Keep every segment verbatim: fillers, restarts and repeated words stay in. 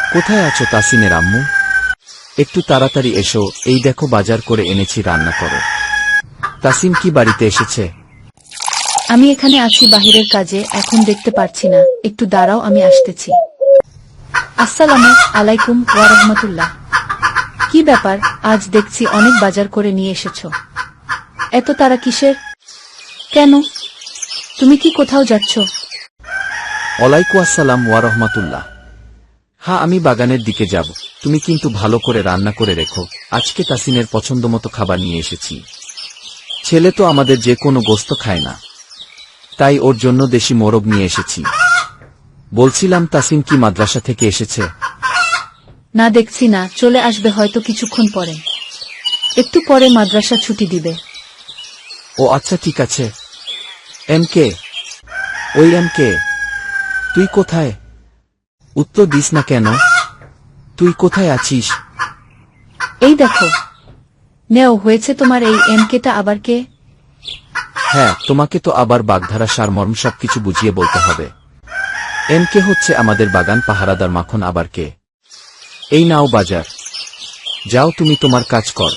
কোথায় আছো তাসিনের আম্মু? একটু তাড়াতাড়ি এসো, এই দেখো বাজার করে এনেছি, রান্না করো। তাসিম কি বাড়িতে এসেছে? আমি এখানে আছি বাহিরের কাজে, এখন দেখতে পারছি না, একটু দাঁড়াও, আমি আসতেছি। আসসালামু আলাইকুম ওয়া রাহমাতুল্লাহ। কি ব্যাপার, আজ দেখছি অনেক বাজার করে নিয়ে এসেছো, এত তাড়া কিসের? কেন, তুমি কি কোথাও যাচ্ছ? ওয়ালাইকুম আসসালাম ওয়া রাহমাতুল্লাহ। হ্যাঁ, আমি বাগানের দিকে যাব। তুমি কিন্তু ভালো করে রান্না করে রেখো, আজকে তাসিনের পছন্দমতো খাবার নিয়ে এসেছি। ছেলে তো আমাদের যে কোনো গোস্ত খায় না, তাই ওর জন্য দেশি মোরগ নিয়ে এসেছি। বলছিলাম, তাসিন কি মাদ্রাসা থেকে এসেছে? না, দেখছি না, চলে আসবে হয়তো কিছুক্ষণ পরে, একটু পরে মাদ্রাসা ছুটি দিবে। ও আচ্ছা, ঠিক আছে। এম কে, ওই এম কে, তুই কোথায়? উত্তর দিস না কেন? তুই কোথায় আছিস? এই দেখো, নেও, হয়েছে তোমার এই এমকেটা আবার কে? হ্যাঁ, তোমাকে তো আবার বাগধারা সারমর্ম সবকিছু বুঝিয়ে বলতে হবে। এম কে হচ্ছে আমাদের বাগান পাহারাদার মাখন, আবার কে? এই নাও বাজার, যাও তুমি তোমার কাজ কর।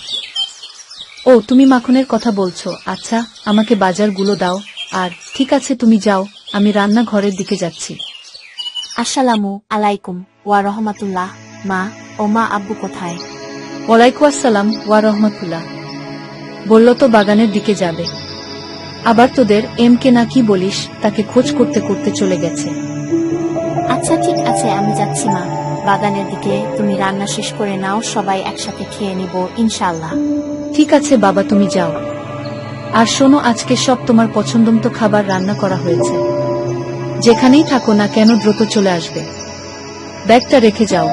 ও, তুমি মাখনের কথা বলছো, আচ্ছা আমাকে বাজারগুলো দাও। আর ঠিক আছে, তুমি যাও, আমি রান্না ঘরের দিকে যাচ্ছি। আসসালামু আলাইকুম ওয়া রহমাতুল্লাহ। মা ও মা, আব্বু কোথায়? ওয়ালাইকুম আসসালাম ওয়া রাহমাতুল্লাহ। বলল তো বাগানের দিকে যাবে, আবার তোদের এম কে না কি বলিস, তাকে খোঁজ করতে করতে চলে গেছে। আচ্ছা ঠিক আছে, আমি যাচ্ছি মা বাগানের দিকে। তুমি রান্না শেষ করে নাও, সবাই একসাথে খেয়ে নিব ইনশাআল্লাহ। ঠিক আছে বাবা, তুমি যাও। আর শোনো, আজকে সব তোমার পছন্দমতো খাবার রান্না করা হয়েছে, যেখানেই থাকো না কেন দ্রুত চলে আসবে। ব্যাগটা রেখে যাও,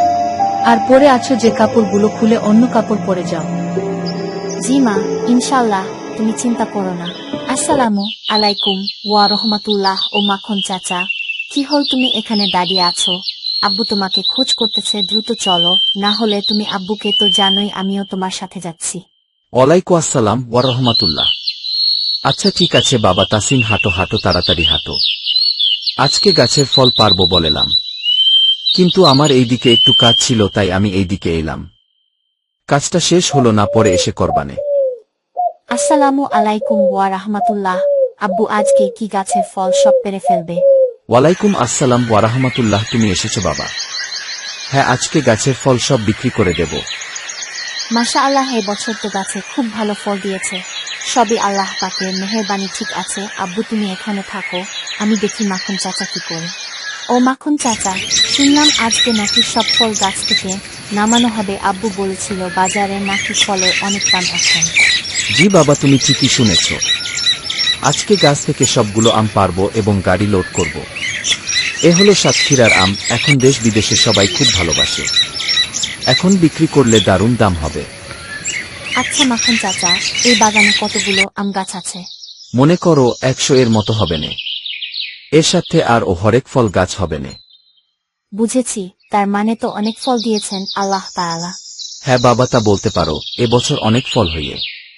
আর পরে আছো যে কাপড়গুলো খুলে অন্য কাপড় পরে যাও। জি মা, ইনশাআল্লাহ, তুমি চিন্তা করো না। আসসালামু আলাইকুম ওয়া রহমাতুল্লাহ। ও মাখন চাচা, কি হল, তুমি এখানে দাঁড়িয়ে আছো? আব্বু তোমাকে খোঁজ করতেছে, দ্রুত চলো, না হলে তুমি আব্বুকে তো জানোই, আমিও তোমার সাথে যাচ্ছি। ওয়ালাইকুম আসসালাম ওয়া রাহমাতুল্লাহ। আচ্ছা ঠিক আছে বাবা, তাসিন হাঁটো হাঁটো, তাড়াতাড়ি হাঁটো। আজকে গাছের ফল পারবো বলেলাম, কিন্তু আমার এইদিকে একটু কাজ ছিল, তাই আমি এইদিকে এলাম। কাজটা শেষ হলো না, পরে এসে করবানে। আসসালামু আলাইকুম ওয়া রাহমাতুল্লাহ। আব্বু আজকে কি গাছের ফল সব পেরে ফেলবে? ওয়ালাইকুম আসসালাম ওয়া রাহমাতুল্লাহ। তুমি এসেছো বাবা? হ্যাঁ, আজকে গাছের ফল সব বিক্রি করে দেব। মাশাআল্লাহ, এই বছর তো গাছে খুব ভালো ফল দিয়েছে, সবই আল্লাহ পাকের মেহেরবানি। ঠিক আছে আব্বু, তুমি এখানে থাকো, আমি দেখি মাখন চাচা কি করে। ও মাখন চাচা, শুনলাম আজকে নাকি সব ফল গাছ থেকে নামানো হবে, আব্বু বলেছিল বাজারে নাকি ফলের অনেক দাম এখন। জি বাবা, তুমি ঠিকই শুনেছ। আজকে গাছ থেকে সবগুলো আম পারবো এবং গাড়ি লোড করব। এ হলো সাতক্ষীরার আম, এখন দেশ বিদেশে সবাই খুব ভালোবাসে। এখন বিক্রি করলে দারুণ দাম হবে। আচ্ছা মাখন চাচা, এই বাগানে কতগুলো আম গাছ আছে? মনে করো একশো এর মতো হবে নে। এর সাথে আর ও হরেক ফল গাছ হবে নে। বুঝেছি, তার মানে তো অনেক ফল দিয়েছেন আল্লাহ তাআলা। হ্যাঁ বাবা, তা বলতে পারো, এবছর অনেক ফল হইয়ে।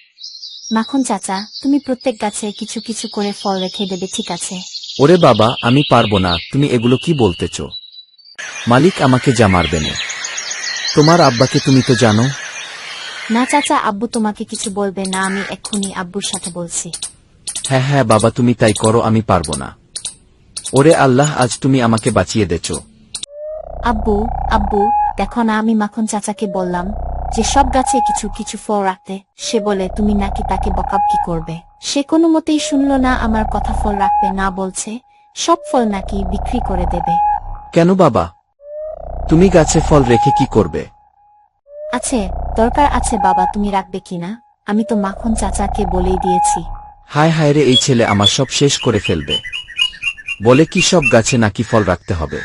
মাখন চাচা, তুমি প্রত্যেক গাছে কিছু কিছু করে ফল রেখে দেবে, ঠিক আছে? ওরে বাবা, আমি পারবো না, তুমি এগুলো কি বলতেছ? মালিক আমাকে যা মারবে না। তোমার আব্বাকে তুমি তো জানো। না চাচা, আব্বু তোমাকে কিছু বলবে না, আমি এক্ষুনি আব্বুর সাথে বলছি। হ্যাঁ হ্যাঁ বাবা, তুমি তাই করো, আমি পারবো না। ওরে আল্লাহ, আজ তুমি আমাকে বাঁচিয়ে দেছ। আব্বু আব্বু দেখো না, আমি মাখন চাচাকে বললাম যে সব গাছে কিছু কিছু ফল রাখতে, সে বলে তুমি নাকি তাকে বকাবকি করবে। সে কোনো মতেই শুনলো না আমার কথা, ফল রাখবে না বলছে, সব ফল নাকি বিক্রি করে দেবে। কেন বাবা, তুমি গাছে ফল রেখে কি করবে? আছে, দরকার আছে বাবা, তুমি রাখবে কিনা আমি তো মাখন চাচাকে বলেই দিয়েছি। হায় হায় রে, এই ছেলে আমার সব শেষ করে ফেলবে। বলে কি সব গাছে নাকি ফল রাখতে হবে?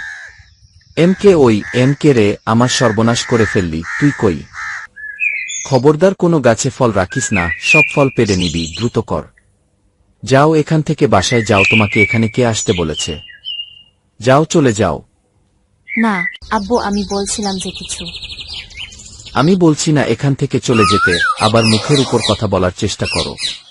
এম কে, ওই এম কে রে, আমার সর্বনাশ করে ফেললি তুই। কই, খবরদার কোনো গাছে ফল রাখিস না, সব ফল পেড়ে নিবি, দ্রুত কর। যাও এখান থেকে, বাসায় যাও, তোমাকে এখানে কে আসতে বলেছে? যাও, চলে যাও। না আব্বু, আমি বলছিলাম যে কিছু। আমি বলছি না এখান থেকে চলে যেতে, আবার মুখের উপর কথা বলার চেষ্টা করো।